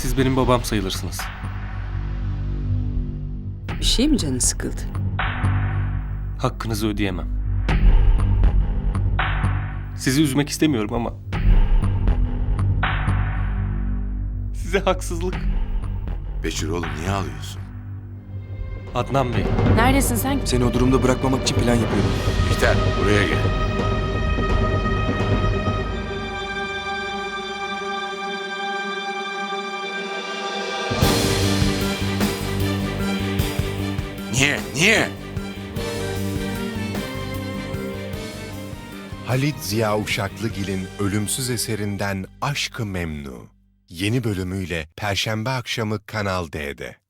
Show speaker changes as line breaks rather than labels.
Siz benim babam sayılırsınız.
Bir şey mi canın sıkıldı?
Hakkınızı ödeyemem. Sizi üzmek istemiyorum ama... Size haksızlık.
Beşir oğlum niye ağlıyorsun?
Adnan Bey,
Neredesin sen?
Seni o durumda bırakmamak için plan yapıyorum.
Bihter buraya gel. Niye?
Halit Ziya Uşaklıgil'in ölümsüz eserinden Aşk-ı Memnu yeni bölümüyle Perşembe akşamı Kanal D'de.